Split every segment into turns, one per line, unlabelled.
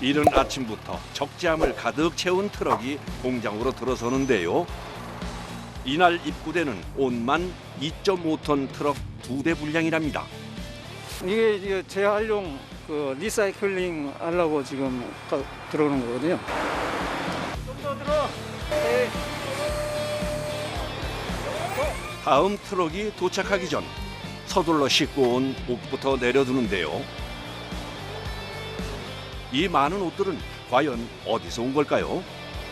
이른 아침부터 적재함을 가득 채운 트럭이 공장으로 들어서는데요. 이날 입구되는 온만 2.5톤 트럭 2대 분량이랍니다.
이게 재활용 리사이클링 하려고 지금 들어오는 거거든요. 좀 더 들어. 네.
다음 트럭이 도착하기 전 서둘러 싣고 온 옷부터 내려두는데요. 이 많은 옷들은 과연 어디서 온 걸까요?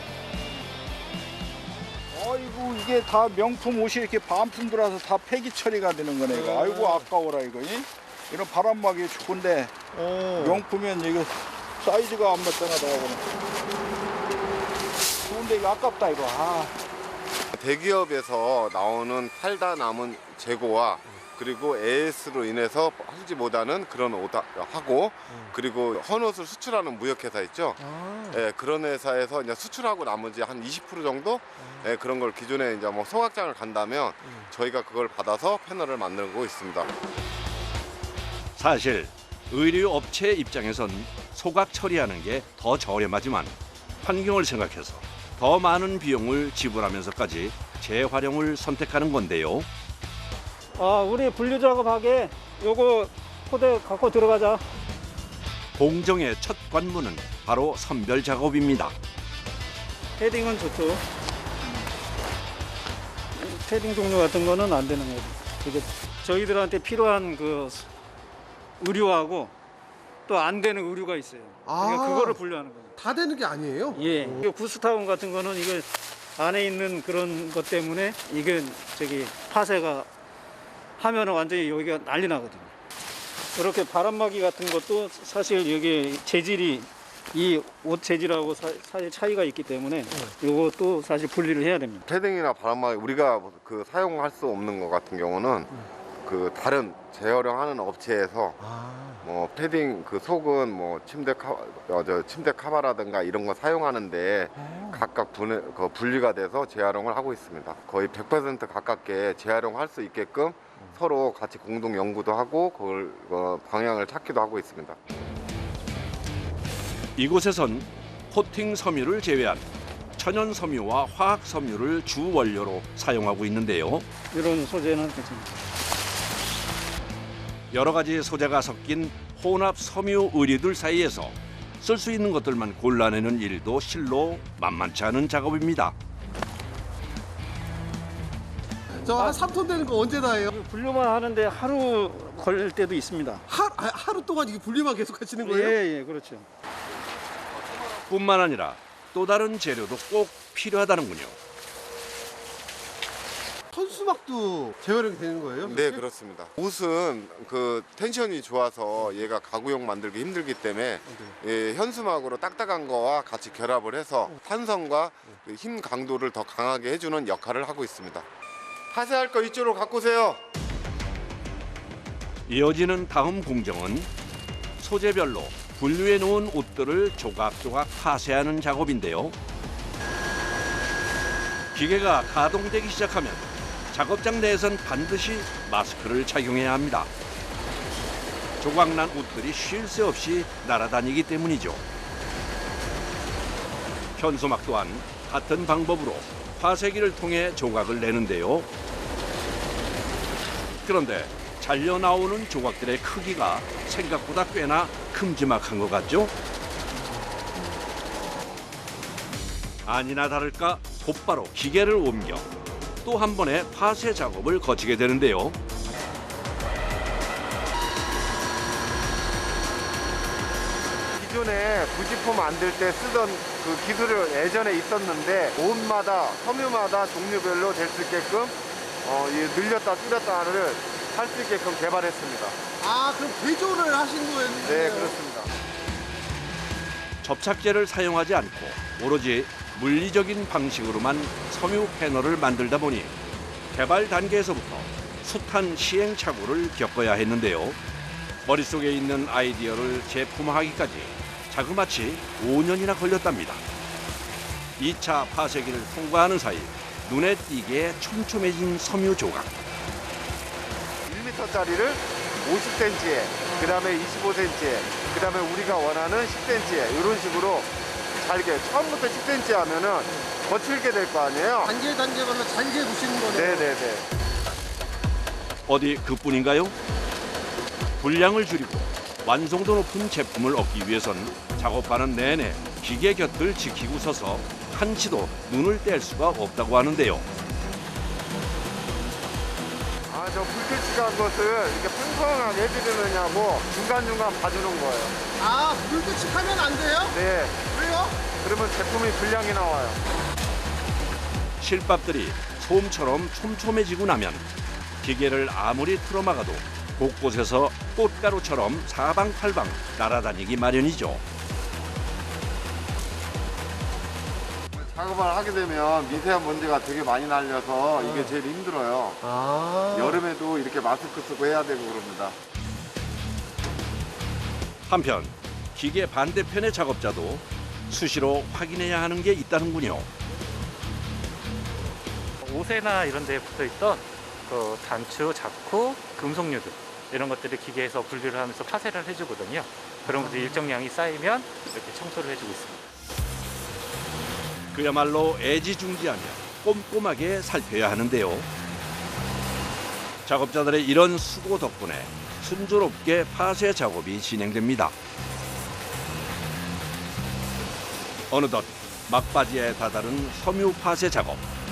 아이고 이게 다 명품 옷이 이렇게 반품 들어와서 다 폐기 처리가 되는 거네 이거. 아이고 아까워라 이거. 이런 바람막이 좋은데 명품이면 이거 사이즈가 안 맞잖아 나하고는. 좋은데 이거 아깝다 이거.
대기업에서 나오는 팔다 남은 재고와 그리고 AS로 인해서 하지 못하는 그런 옷 하고 그리고 헌옷을 수출하는 무역회사 있죠. 예, 그런 회사에서 이제 수출하고 나머지 한 20% 정도 예, 그런 걸 기존에 이제 뭐 소각장을 간다면 저희가 그걸 받아서 패널을 만들고 있습니다.
사실 의류 업체 입장에선 소각 처리하는 게 더 저렴하지만 환경을 생각해서 더 많은 비용을 지불하면서까지 재활용을 선택하는 건데요.
우리 분류 작업하게 요거 포대 갖고 들어가자.
공정의 첫 관문은 바로 선별 작업입니다.
패딩은 좋죠. 패딩 종류 같은 거는 안 되는 거죠. 그게 저희들한테 필요한 그 의류하고 또 안 되는 의류가 있어요. 그러니까 그거를 분류하는 거예요.
다 되는 게 아니에요?
예. 이게 구스타운 같은 거는 이거 안에 있는 그런 것 때문에 이게 파쇄가 하면은 완전히 여기가 난리 나거든요. 이렇게 바람막이 같은 것도 사실 여기 재질이 이 옷 재질하고 사실 차이가 있기 때문에 이것도 사실 분리를 해야 됩니다.
패딩이나 바람막이 우리가 그 사용할 수 없는 것 같은 경우는 그 다른 재활용하는 업체에서 뭐 패딩 그 속은 뭐 침대 카바라든가 이런 거 사용하는데 각각 분리가 돼서 재활용을 하고 있습니다. 거의 100% 가깝게 재활용할 수 있게끔 서로 같이 공동 연구도 하고 그걸 방향을 찾기도 하고 있습니다.
이곳에선 코팅 섬유를 제외한 천연 섬유와 화학 섬유를 주 원료로 사용하고 있는데요.
이런 소재는 괜찮습니다.
여러 가지 소재가 섞인 혼합 섬유 의류들 사이에서 쓸 수 있는 것들만 골라내는 일도 실로 만만치 않은 작업입니다.
저 한 3톤 되는 거 언제 다 해요?
분류만 하는데 하루 걸릴 때도 있습니다.
하루 동안 이게 분리만 계속 하시는 거예요?
예, 그렇죠.
뿐만 아니라 또 다른 재료도 꼭 필요하다는군요.
현수막도 재활용이 되는 거예요?
네, 그렇습니다. 옷은 그 텐션이 좋아서 얘가 가구용 만들기 힘들기 때문에 예, 현수막으로 딱딱한 거와 같이 결합을 해서 탄성과 그 힘 강도를 더 강하게 해주는 역할을 하고 있습니다. 파쇄할 거 이쪽으로 갖고 오세요.
이어지는 다음 공정은 소재별로 분류해 놓은 옷들을 조각조각 파쇄하는 작업인데요. 기계가 가동되기 시작하면 작업장 내에선 반드시 마스크를 착용해야 합니다. 조각난 옷들이 쉴 새 없이 날아다니기 때문이죠. 현수막 또한 같은 방법으로 파쇄기를 통해 조각을 내는데요. 그런데 잘려 나오는 조각들의 크기가 생각보다 꽤나 큼지막한 것 같죠? 아니나 다를까 곧바로 기계를 옮겨 또 한 번의 파쇄 작업을 거치게 되는데요.
기존에 부직포 만들 때 쓰던 그 기술이 예전에 있었는데 옷마다 섬유마다 종류별로 될 수 있게끔 늘렸다 줄였다를 할 수 있게끔 개발했습니다.
그럼 개조를 하신 거예요?
네, 그렇습니다.
접착제를 사용하지 않고 오로지 물리적인 방식으로만 섬유 패널을 만들다 보니 개발 단계에서부터 숱한 시행착오를 겪어야 했는데요. 머릿속에 있는 아이디어를 제품화하기까지 자그마치 5년이나 걸렸답니다. 2차 파쇄기를 통과하는 사이 눈에 띄게 촘촘해진 섬유 조각.
1m짜리를 50cm에, 그 다음에 25cm에, 그 다음에 우리가 원하는 10cm에 이런 식으로 잘게 처음부터 10cm 하면은 거칠게 될 거 아니에요?
단계마다 잘게 부시는 거네요.
네네네.
어디 그뿐인가요? 분량을 줄이고 완성도 높은 제품을 얻기 위해선 작업하는 내내 기계 곁을 지키고 서서 한치도 눈을 뗄 수가 없다고 하는데요.
저 불규칙한 것을 이렇게 평평하게 해드리느냐고 중간중간 봐주는 거예요.
아, 불규칙하면 안 돼요?
네.
왜요?
그러면 제품이 불량이 나와요.
실밥들이 솜처럼 촘촘해지고 나면 기계를 아무리 틀어막아도 곳곳에서 꽃가루처럼 사방팔방 날아다니기 마련이죠.
작업을 하게 되면 미세한 먼지가 되게 많이 날려서 이게 제일 힘들어요. 여름에도 이렇게 마스크 쓰고 해야 되고 그럽니다.
한편 기계 반대편의 작업자도 수시로 확인해야 하는 게 있다는군요.
옷에나 이런 데에 붙어있던 그 단추, 자쿠, 금속류들 이런 것들을 기계에서 분리를 하면서 파쇄를 해주거든요. 그런 것들이 일정량이 쌓이면 이렇게 청소를 해주고 있습니다.
그야말로 애지중지하며 꼼꼼하게 살펴야 하는데요. 작업자들의 이런 수고 덕분에 순조롭게 파쇄 작업이 진행됩니다. 어느덧 막바지에 다다른 섬유 파쇄 작업.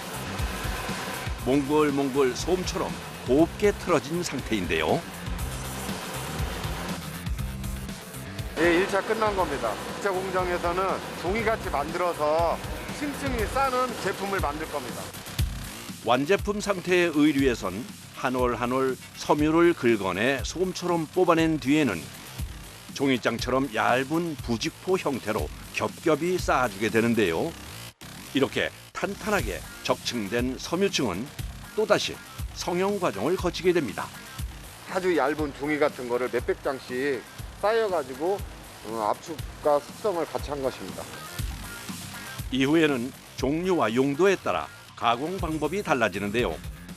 몽글몽글 솜처럼 곱게 틀어진 상태인데요.
예, 1차 끝난 겁니다. 2차 공정에서는 종이같이 만들어서 층층이 싸는 제품을 만들 겁니다.
완제품 상태의 의류에선 한 올 한 올 섬유를 긁어내 솜처럼 뽑아낸 뒤에는 종이장처럼 얇은 부직포 형태로 겹겹이 쌓아주게 되는데요. 이렇게 탄탄하게 적층된 섬유층은 또다시 성형 과정을 거치게 됩니다.
아주 얇은 종이 같은 거를 몇백 장씩 쌓여가지고 압축과 숙성을 같이 한 것입니다.
이후에는 종류와 용도에 따라 가공 방법이 달라지는데요.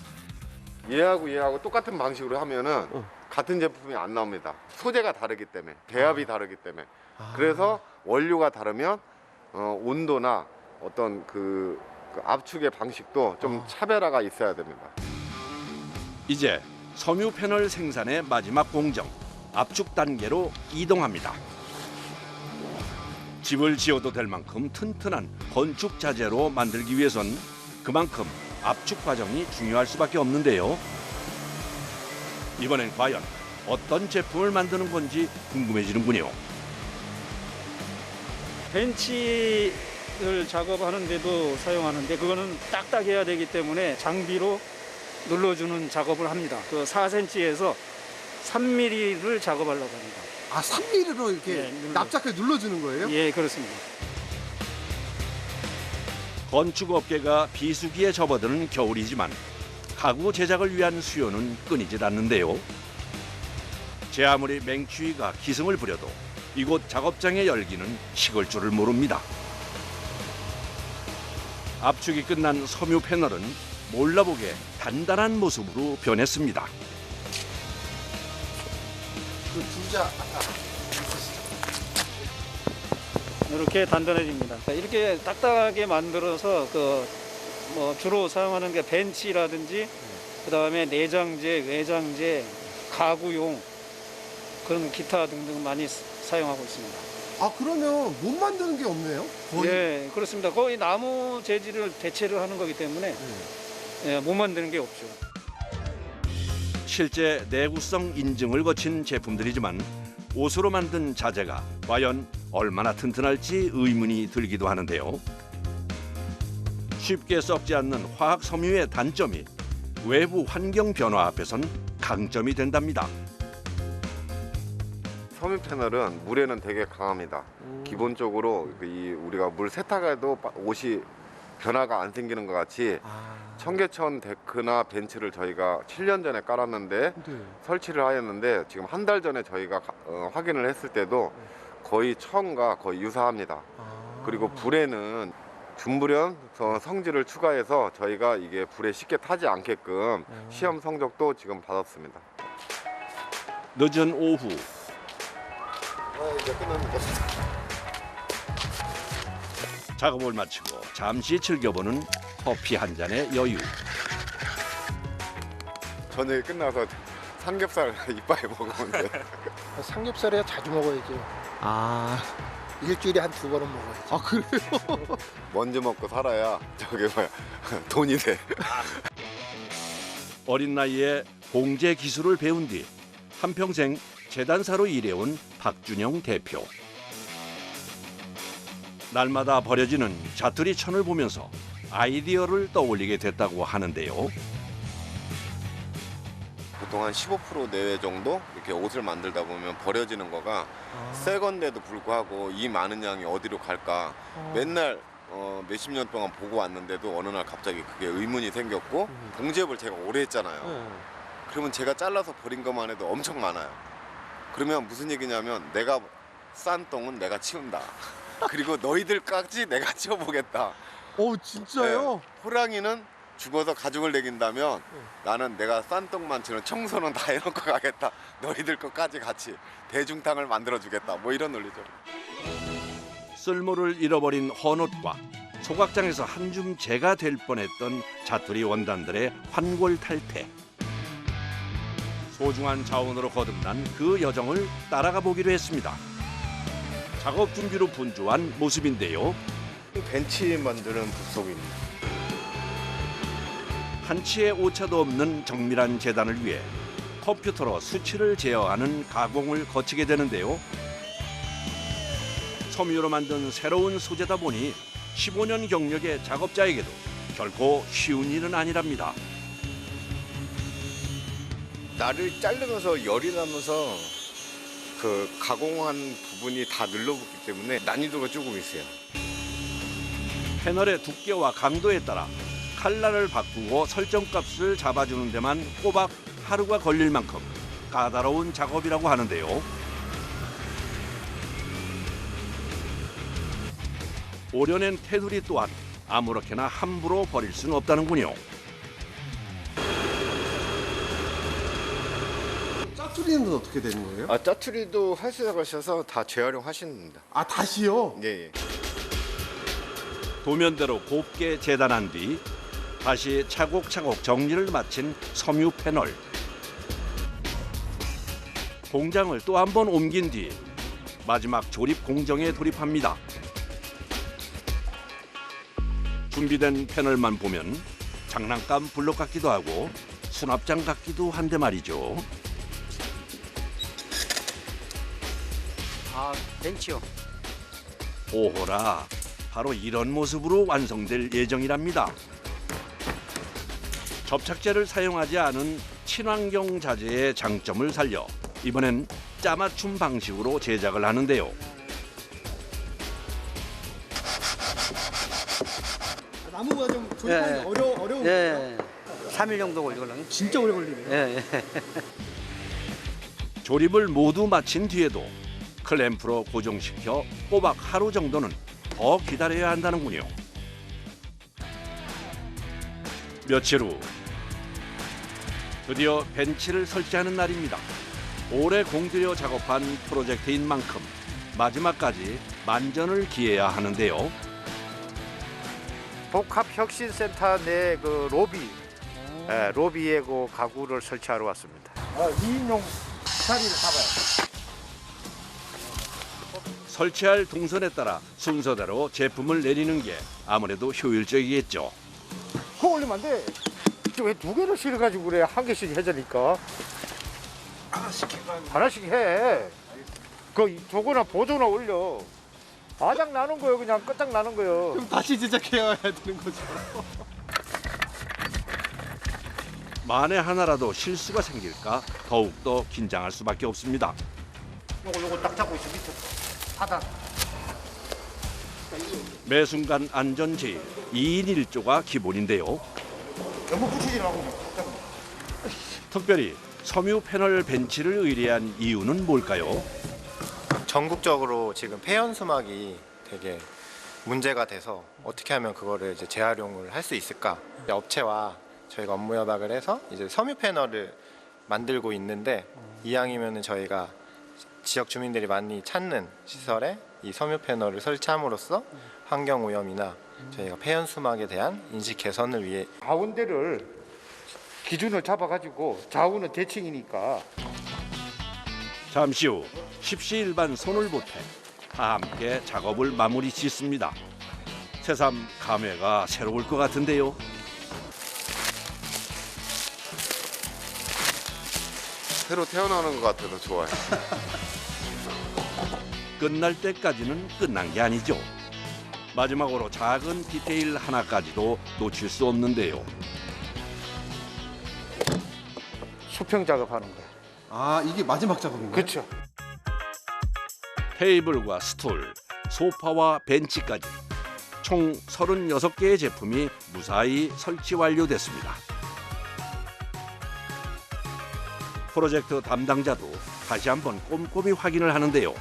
얘하고 똑같은 방식으로 하면은 같은 제품이 안 나옵니다. 소재가 다르기 때문에, 배합이 다르기 때문에. 그래서 원료가 다르면 온도나 어떤 그 압축의 방식도 좀 차별화가 있어야 됩니다.
이제 섬유 패널 생산의 마지막 공정, 압축 단계로 이동합니다. 집을 지어도 될 만큼 튼튼한 건축 자재로 만들기 위해선 그만큼 압축 과정이 중요할 수밖에 없는데요. 이번엔 과연 어떤 제품을 만드는 건지 궁금해지는군요.
벤치를 작업하는데도 사용하는데 그거는 딱딱해야 되기 때문에 장비로 눌러주는 작업을 합니다. 그 4cm에서 3mm를 작업하려고 합니다.
아, 3mm로 이렇게 납작하게 눌러주는 거예요?
예, 그렇습니다.
건축업계가 비수기에 접어드는 겨울이지만 가구 제작을 위한 수요는 끊이질 않는데요. 제 아무리 맹추위가 기승을 부려도 이곳 작업장의 열기는 식을 줄을 모릅니다. 압축이 끝난 섬유 패널은 몰라보게 단단한 모습으로 변했습니다.
그 두자.
이렇게 단단해집니다. 이렇게 딱딱하게 만들어서 뭐 주로 사용하는 게 벤치라든지 그다음에 내장재, 외장재, 가구용 그런 기타 등등 많이 사용하고 있습니다.
아, 그러면 못 만드는 게 없네요? 거의?
예, 그렇습니다. 거의 나무 재질을 대체를 하는 거기 때문에 예, 못 만드는 게 없죠.
실제 내구성 인증을 거친 제품들이지만 옷으로 만든 자재가 과연 얼마나 튼튼할지 의문이 들기도 하는데요. 쉽게 썩지 않는 화학 섬유의 단점이 외부 환경 변화 앞에선 강점이 된답니다.
섬유 패널은 물에는 되게 강합니다. 기본적으로 우리가 물 세탁해도 옷이 변화가 안 생기는 것 같이 청계천 데크나 벤츠를 저희가 7년 전에 깔았는데
네.
설치를 하였는데 지금 한 달 전에 저희가 확인을 했을 때도 거의 처음과 거의 유사합니다. 그리고 불에는 준불연 성질을 추가해서 저희가 이게 불에 쉽게 타지 않게끔 시험 성적도 지금 받았습니다.
늦은 오후
이제 끝났는데.
작업을 마치고 잠시 즐겨보는 커피 한 잔의 여유.
저녁에 끝나서 삼겹살 이빨 먹으면 돼.
삼겹살이야 자주 먹어야죠.
아,
일주일에 한 2번은 먹어야죠.
아 그래요?
먼저 먹고 살아야 저게 뭐야 돈이 돼.
어린 나이에 공제 기술을 배운 뒤 한평생 재단사로 일해온 박준영 대표. 날마다 버려지는 자투리 천을 보면서 아이디어를 떠올리게 됐다고 하는데요.
보통 한 15% 내외 정도 이렇게 옷을 만들다 보면 버려지는 거가 새 건데도 불구하고 이 많은 양이 어디로 갈까 맨날 몇십 년 동안 보고 왔는데도 어느 날 갑자기 그게 의문이 생겼고 봉제업을 제가 오래 했잖아요. 그러면 제가 잘라서 버린 것만 해도 엄청 많아요. 그러면 무슨 얘기냐면 내가 싼 똥은 내가 치운다. 그리고 너희들까지 내가 치워보겠다.
오 진짜요?
네, 호랑이는 죽어서 가죽을 내긴다면 나는 내가 싼 똥만 치는 청소는 다 해놓고 가겠다. 너희들 것까지 같이 대중탕을 만들어주겠다. 뭐 이런 논리죠.
쓸모를 잃어버린 헌옷과 소각장에서 한 줌 재가 될 뻔했던 자투리 원단들의 환골탈태. 소중한 자원으로 거듭난 그 여정을 따라가 보기로 했습니다. 작업 준비로 분주한 모습인데요.
벤치 만드는 부속입니다.
한치의 오차도 없는 정밀한 재단을 위해 컴퓨터로 수치를 제어하는 가공을 거치게 되는데요. 섬유로 만든 새로운 소재다 보니 15년 경력의 작업자에게도 결코 쉬운 일은 아니랍니다.
나를 자르면서 열이 나면서 그 가공한 부분이 다 늘러붙기 때문에 난이도가 조금 있어요.
패널의 두께와 강도에 따라 칼날을 바꾸고 설정값을 잡아주는 데만 꼬박 하루가 걸릴 만큼 까다로운 작업이라고 하는데요. 오려낸 테두리 또한 아무렇게나 함부로 버릴 수는 없다는군요.
짜투리는 어떻게 되는 거예요?
짜투리도 활성화하셔서 다 재활용하십니다.
아 다시요?
예.
도면대로 곱게 재단한 뒤 다시 차곡차곡 정리를 마친 섬유 패널. 공장을 또 한 번 옮긴 뒤 마지막 조립 공정에 돌입합니다. 준비된 패널만 보면 장난감 블록 같기도 하고 수납장 같기도 한데 말이죠.
아, 벤치요.
오호라, 바로 이런 모습으로 완성될 예정이랍니다. 접착제를 사용하지 않은 친환경 자재의 장점을 살려 이번엔 짜맞춤 방식으로 제작을 하는데요.
나무가 좀 조립하기
예.
어려운 거예요?
예. 3일 정도 걸리거든요.
진짜 오래 걸리네요.
예, 예.
조립을 모두 마친 뒤에도 클램프로 고정시켜 꼬박 하루 정도는 더 기다려야 한다는군요. 며칠 후 드디어 벤치를 설치하는 날입니다. 오래 공들여 작업한 프로젝트인 만큼 마지막까지 만전을 기해야 하는데요.
복합혁신센터 내 그 로비, 로비에 그 가구를 설치하러 왔습니다.
2인용 자리를 잡아요.
설치할 동선에 따라 순서대로 제품을 내리는 게 아무래도 효율적이겠죠.
그거 올리면 안 돼. 왜 2개를 실어가지고 그래? 1개씩 해자니까. 하나씩 해. 저거나 보조나 올려. 아작 나는 거예요. 그냥 끝장 나는 거예요.
그럼 다시 제작해야 되는 거죠.
만에 하나라도 실수가 생길까 더욱더 긴장할 수밖에 없습니다.
요거 딱 잡고 있어. 밑에 하단.
매 순간 안전 제일 2인 1조가 기본인데요.
너무 붙이지 말고.
특별히 섬유 패널 벤치를 의뢰한 이유는 뭘까요?
전국적으로 지금 폐연수막이 되게 문제가 돼서 어떻게 하면 그거를 이제 재활용을 할 수 있을까? 업체와 저희가 업무 협약을 해서 이제 섬유 패널을 만들고 있는데 이왕이면은 저희가 지역 주민들이 많이 찾는 시설에 이 섬유 패널을 설치함으로써 환경 오염이나 저희가 폐연 수막에 대한 인식 개선을 위해
가운데를 기준을 잡아가지고 좌우는 대칭이니까
잠시 후 십시일반 손을 보태 다 함께 작업을 마무리 짓습니다. 새삼 감회가 새로울 것 같은데요.
새로 태어나는 것 같아서 좋아요.
끝날 때까지는 끝난 게 아니죠. 마지막으로 작은 디테일 하나까지도 놓칠 수 없는데요.
수평 작업하는 거야.
아, 이게 마지막 작업인가요?
그렇죠.
테이블과 스툴, 소파와 벤치까지 총 36개의 제품이 무사히 설치 완료됐습니다. 프로젝트 담당자도 다시 한번 꼼꼼히 확인을 하는데요.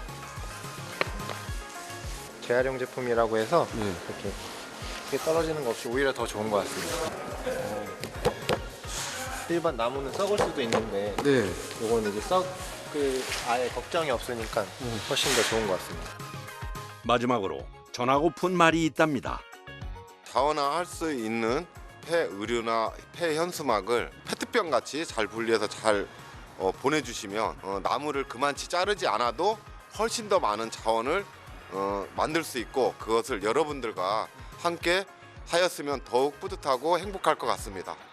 재활용 제품이라고 해서
네.
이렇게 떨어지는 거 없이 오히려 더 좋은 것 같습니다. 일반 나무는 썩을 수도 있는데
네.
요거는 이제 아예 걱정이 없으니까 훨씬 더 좋은 것 같습니다.
마지막으로 전하고픈 말이 있답니다.
자원화할 수 있는 폐의류나 폐현수막을 페트병 같이 잘 분리해서 잘 보내주시면 나무를 그만치 자르지 않아도 훨씬 더 많은 자원을 만들 수 있고 그것을 여러분들과 함께 하였으면 더욱 뿌듯하고 행복할 것 같습니다.